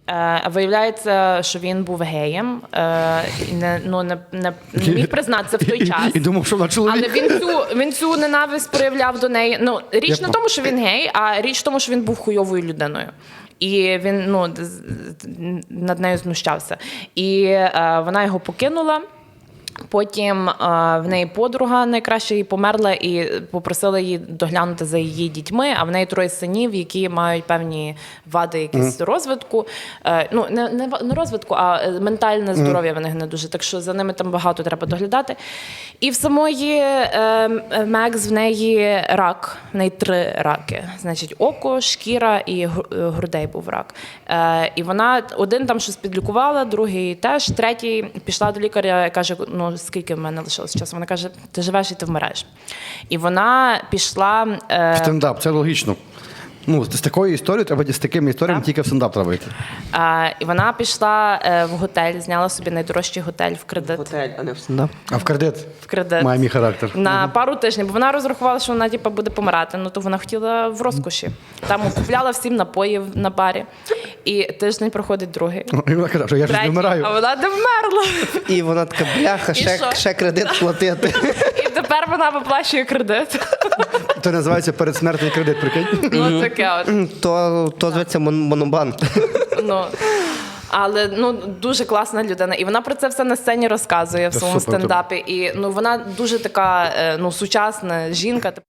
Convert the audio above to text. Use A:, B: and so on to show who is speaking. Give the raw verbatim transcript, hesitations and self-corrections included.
A: Е, Виявляється, що він був геєм, е, і не, ну, не, не, не міг признатися в той час.
B: І думав, що вона чоловік.
A: Але він цю, він цю ненависть проявляв до неї. Ну, річ
B: Я
A: не в тому, що він гей, а річ в тому, що він був хуйовою людиною. І він ну, з- над нею знущався. І е, вона його покинула. Потім е, в неї подруга найкраще її померла і попросила її доглянути за її дітьми, а в неї троє синів, які мають певні вади якісь розвитку. Е, ну, не, не, ва- не розвитку, а е, ментальне здоров'я в них не дуже. Так що за ними там багато треба доглядати. І в самої е, Мекс в неї рак, в неї три раки. Значить, око, шкіра і гру- е, грудей був рак. Е, і вона один там щось підлікувала, другий теж, третій пішла до лікаря і каже, ну, скільки в мене лишилось часу? Вона каже, ти живеш і ти вмираєш. І вона пішла... Е,
B: Стендап, це логічно. Ну, з такою історією треба з такими історіями
A: Так.
B: тільки в стендап треба йти.
A: е, і вона пішла е, в готель, зняла собі найдорожчий готель в кредит.
C: Готель, а не в стендап.
B: А в кредит
A: В кредит.
B: має мій характер.
A: На пару тижнів, бо вона розрахувала, що вона типу, буде помирати, ну то вона хотіла в розкоші. Там купляла всім напоїв на барі. І тиждень проходить другий.
B: І вона каже, що я ж не
A: Третій,
B: вмираю.
A: а вона не вмерла.
C: І вона така, бляха,
A: І
C: ще,
A: що?
C: ще кредит платити.
A: І тепер вона виплачує кредит.
B: Це називається передсмертний кредит, прикинь.
A: Ну таке от.
C: То, то зветься мон- монобанк.
A: Ну, але ну дуже класна людина, і вона про це все на сцені розказує в
B: Та
A: своєму
B: супер,
A: стендапі. І ну вона дуже така е, ну сучасна жінка.